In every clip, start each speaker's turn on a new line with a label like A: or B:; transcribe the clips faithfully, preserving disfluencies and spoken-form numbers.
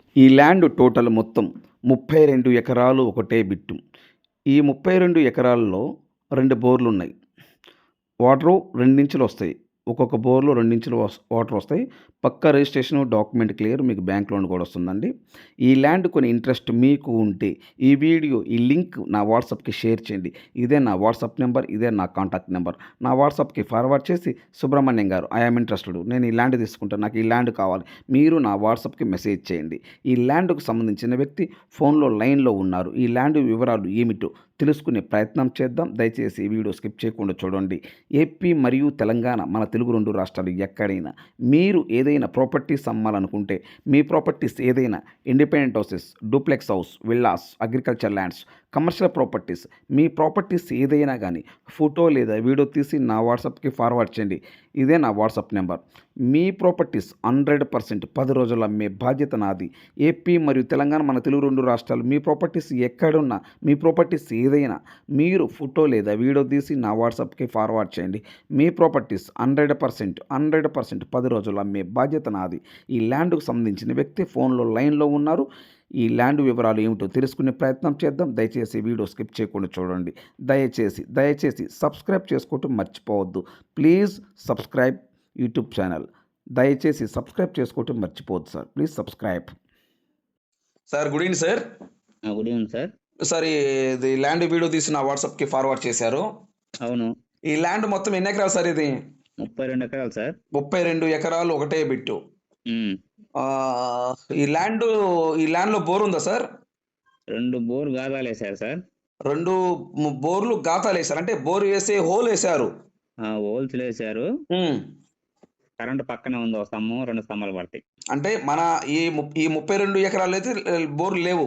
A: ఈ land total మొత్తం ముప్పై రెండు ఎకరాలు ఒకటే బిట్టు. ఈ ముప్పై రెండు ఎకరాల్లో రెండు బోర్లున్నాయి. వాటరు రెండించులొస్తాయి. ఒక్కొక్క బోర్‌లో రెండించులు వస్ వాటరొస్తాయి. పక్కా రిజిస్ట్రేషను, డాక్యుమెంట్ క్లియర్ మీకు బ్యాంక్ లోన్ కూడా వస్తుందండి. ఈ ల్యాండ్ కొని ఇంట్రెస్ట్ మీకు ఉంటే ఈ వీడియో ఈ లింక్ నా వాట్సాప్‌కి షేర్ చేయండి. ఇదే నా వాట్సాప్ నెంబర్. ఇదే నా కాంటాక్ట్ నెంబర్. నా వాట్సాప్‌కి ఫార్వర్డ్ చేసి సుబ్రహ్మణ్యం గారు ఐ యామ్ ఇంట్రెస్టెడ్. నేను ఈ ల్యాండ్ తీసుకుంటాను. నాకు ఈ ల్యాండ్ కావాలి. మీరు నా వాట్సాప్‌కి మెసేజ్ చేయండి. ఈ ల్యాండ్‌కు సంబంధించిన వ్యక్తి ఫోన్‌లో లైన్‌లో ఉన్నారు. ఈ ల్యాండ్ వివరాలు ఏమిటో తెలుసుకునే ప్రయత్నం చేద్దాం. దయచేసి ఈ వీడియో స్కిప్ చేయకుండా చూడండి. ఏపీ మరియు తెలంగాణ మన తెలుగు రెండు రాష్ట్రాలు ఎక్కడైనా మీరు ఏదైనా ప్రాపర్టీస్ అమ్మాలనుకుంటే మీ ప్రాపర్టీస్ ఏదైనా independent houses, duplex house, villas, agriculture lands, commercial properties మీ ప్రాపర్టీస్ ఏదైనా కానీ ఫోటో లేదా వీడియో తీసి నా వాట్సాప్‌కి ఫార్వర్డ్ చేయండి. ఇదే నా వాట్సాప్ నెంబర్. మీ ప్రాపర్టీస్ హండ్రెడ్ పర్సెంట్ పది రోజుల్లో అమ్మే బాధ్యత నాది. ఏపీ మరియు తెలంగాణ మన తెలుగు రెండు రాష్ట్రాలు మీ ప్రాపర్టీస్ ఎక్కడున్నా మీ ప్రాపర్టీస్ ఏదైనా మీరు ఫోటో లేదా వీడియో తీసి నా వాట్సాప్‌కి ఫార్వర్డ్ చేయండి. మీ properties hundred percent hundred percent పది రోజుల్లో అమ్మే బాధ్యత నాది. ఈ ల్యాండ్‌కు సంబంధించిన వ్యక్తి ఫోన్‌లో లైన్‌లో ఉన్నారు. ఈ ల్యాండ్ వివరాలు ఏమిటో తెలుసుకునే ప్రయత్నం చేద్దాం. దయచేసి వీడియో స్కిప్ చేయకుండా చూడండి. దయచేసి దయచేసి సబ్స్క్రైబ్ చేసుకోవటం మర్చిపోవద్దు. Please subscribe YouTube channel. దయచేసి సబ్స్క్రైబ్ చేసుకోవటం మర్చిపోవద్దు sir. Please subscribe. Sir good evening sir.
B: ఆ! Good evening sir.
A: సార్ ఇది ల్యాండ్ వీడియో తీసి నా వాట్సాప్‌కి ఫార్వర్డ్ చేశారు.
B: అవును.
A: ఈ ల్యాండ్ మొత్తం ఎన్ని ఎకరాలు సార్ ఇది?
B: ముప్పై రెండు ఎకరాలు సార్.
A: ముప్పై రెండు ఎకరాలు ఒకటే బిట్టు.
B: హ్మ్.
A: ఆహ్, ఈ ల్యాండు ఈ ల్యాండ్‌లో బోర్ ఉందా సార్?
B: రెండు బోర్ గాదాలేశారు సార్.
A: రెండు ము బోర్లు గాతాలేశారు. అంటే బోర్ వేసి హోలేశారు.
B: ఆ! హోల్స్‌లేశారు.
A: హ్మ్.
B: కరెంట్ పక్కనే ఉంది. ఒక స్తంభం, రెండు స్తంభాలు పడతాయి.
A: అంటే మన ఈ ము ఈ ముప్పై రెండు ఎకరాలైతే ఆహ్, బోర్లు లేవు.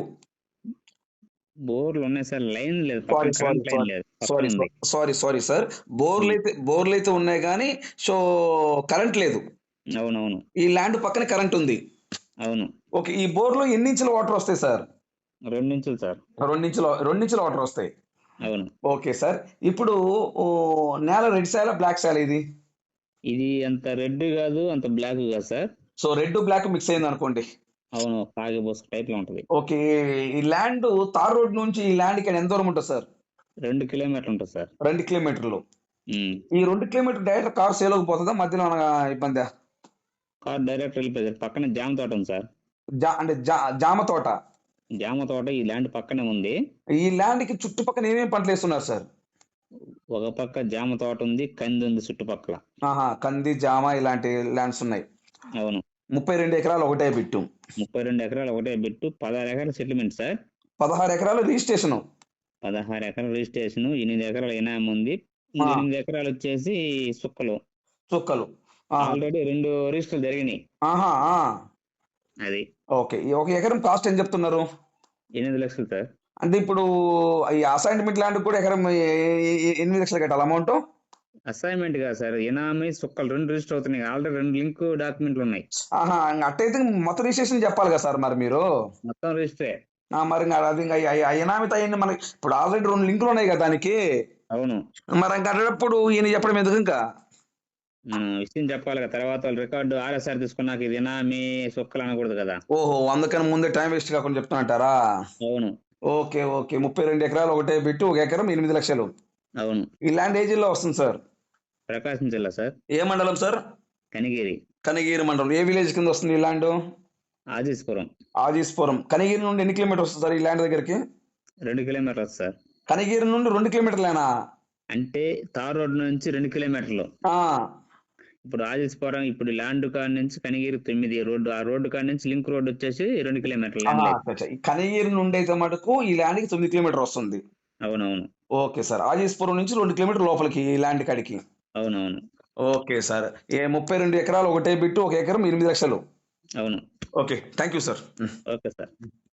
B: బోర్లు ఉన్నాయి సార్. లైన్ లేదు.
A: సారీ,
B: పక్కన
A: సారీ,
B: కరెంట్ లైన్ లేదు.
A: సారీ,
B: పక్కన ఉంది.
A: Sorry, sorry sir.
B: హ్మ్.
A: బోర్లైతే బోర్లైతే ఉన్నాయి గానీ సో కరెంట్ లేదు.
B: అవునవును.
A: ఈ ల్యాండ్ పక్కన కరెంట్ ఉంది.
B: అవును.
A: ఓకే. ఈ బోర్‌లో ఎన్ని ఇంచుల వాటర్ వస్తాయి సార్?
B: రెండు ఇంచులు సార్.
A: రెండు ఇంచుల రెండు ఇంచుల వాటర్ వస్తాయి.
B: అవును.
A: Okay sir. ఇప్పుడు ఓహ్, నేల రెడ్ సాయిలా? బ్లాక్ సాయిలా ఇది?
B: ఇది అంత రెడ్ గాదు, అంత బ్లాక్ గాదు sir.
A: So red, black mix అయిందనుకోండి.
B: అవును. కాగి బుసక టైప్‌లో ఉంటది.
A: ఓకే. ఈ ల్యాండ్ తార్ రోడ్ నుంచి ఈ ల్యాండ్‌కి ఎంత దూరం ఉంటది సార్?
B: రెండు కిలోమీటర్లు ఉంటది సార్.
A: రెండు కిలోమీటర్లు.
B: హ్మ్.
A: ఈ రెండు కిలోమీటర్లు డైరెక్ట్ కార్ సేల్‌లోకి పోతదా? మధ్యలో ఏమన్నా ఇబ్బందా?
B: కార్ డైరెక్ట్ వెళ్ళిపోయేది. పక్కన జామ తోట ఉంది సార్.
A: జా అంటే జా జామ తోట.
B: జామ తోట ఈ ల్యాండ్ పక్కనే ఉంది.
A: ఈ ల్యాండ్‌కి చుట్టుపక్కల ఏమేమి పంటలేస్తున్నారు సార్?
B: ఒక పక్క జామ తోట ఉంది. కంది ఉంది చుట్టుపక్కల.
A: ఆహా! కంది, జామ ఇలాంటి ల్యాండ్స్ ఉన్నాయి.
B: అవును.
A: ముప్పై రెండు ఎకరాలు ఒకటే బిట్టు.
B: ముప్పై రెండు ఎకరాలు ఒకటే బిట్టు. పదహారు ఎకరాల సెటిల్మెంట్ సార్.
A: పదహారు ఎకరాలు రిజిస్ట్రేషను.
B: పదహారు ఎకరాల రిజిస్ట్రేషన్, ఎనిమిది ఎకరాల ఇనాం ఉంది. ఇంక
A: ఆ!
B: ఎనిమిది ఎకరాలు వచ్చేసి సుక్కలు.
A: చుక్కలు. ఆహా!
B: ఆల్రెడీ రెండు రిజిస్టర్లు జరిగినాయి.
A: ఆహా! ఆ!
B: అది.
A: ఓకే. ఈ ఒక ఎకరం కాస్ట్ ఎంత చెప్తున్నారు?
B: ఎనిమిది లక్షలు సార్.
A: అంటే ఇప్పుడు ఈ అసైన్‌మెంట్ ల్యాండ్‌కి కూడా ఎకరం ఎ ఎ ఎ ఎనిమిది లక్షలు కట్టాలా అమౌంటు?
B: అసైన్‌మెంట్ కాదు సార్. ఇనామి, సుక్కలు రెండు రిజిస్టర్ అవుతున్నాయి. ఆల్రెడీ రెండు లింక్ డాక్యుమెంట్లు ఉన్నాయి.
A: ఆహా! ఇంగ అట్టయితే మొత్తం రిజిస్ట్రేషన్ చెప్పాలి కదా సార్ మరి మీరు?
B: మొత్తం రిజిస్టరే.
A: ఆ! మరి ఇంగ అది ఇంగ అయి అయి అనామిత అయన్నీ మనకి ఇప్పుడు ఆల్రెడీ రెండు లింకులు ఉన్నాయి కదా దానికి.
B: అవును.
A: మరి ఇంక అట్లాటప్పుడు ఈయన చెప్పడం ఎందుకు ఇంకా?
B: మనం విషయం చెప్పాలి కదా! తర్వాత వాళ్ళు రికార్డు ఆర్ఎస్ఆర్ తీసుకున్నాక ఇది ఇనామి, సుక్కలు అనకూడదు కదా!
A: ఓహో! అందుకని ముందే టైం వేస్ట్ కాకుండా చెప్తున్నరంటారా?
B: అవును.
A: ఓకే. ఓకే. ముప్పై రెండు ఎకరాలు ఒకటే బిట్టు. ఒక ఎకరం ఎనిమిది లక్షలు.
B: అవును.
A: ఈ ల్యాండ్ ఏ జిల్లా వస్తుంది సార్?
B: ప్రకాశం జిల్లా సార్.
A: ఏ మండలం సార్?
B: కనిగిరి.
A: కనిగిరి మండలం. ఏ విలేజ్ కింద వస్తుంది ఈ ల్యాండు?
B: ఆజీస్పురం.
A: ఆజీస్పురం. కనిగిరి నుండి ఎన్ని కిలోమీటర్స్ వస్తుంది సార్ ఈ ల్యాండ్ దగ్గరికి?
B: రెండు కిలోమీటర్లు సార్.
A: కనిగిరి నుండి రెండు కిలోమీటర్లేనా?
B: అంటే తార్ రోడ్ నుంచి రెండు కిలోమీటర్లు.
A: ఆ!
B: ఇప్పుడు ఆజీస్పురం ఇప్పుడు ల్యాండ్ కాడ నుంచి కనిగిరి తొమ్మిది రోడ్డు. ఆ రోడ్డు కాడ నుంచి లింక్ రోడ్ వచ్చేసి రెండు కిలోమీటర్లు
A: ఆహా!
B: ల్యాండ్
A: అచ్చా!
B: లైన్.
A: అచ్చా! ఈ కనిగిరి నుండి అయితే మటుకు ఈ ల్యాండ్‌కి తొమ్మిది కిలోమీటర్ వస్తుంది.
B: అవునవును.
A: Okay sir. ఆజీస్పురం నుంచి రెండు కిలోమీటర్లు లోపలికి ఈ ల్యాండ్ కాడికి.
B: అవునవును.
A: Okay sir. ఏ ముప్పై రెండు ఎకరాలు ఒకటే బిట్టు. ఒక ఎకరం ఎనిమిది లక్షలు.
B: అవును.
A: ఓకే. Thank you sir. హ్మ్.
B: Okay sir.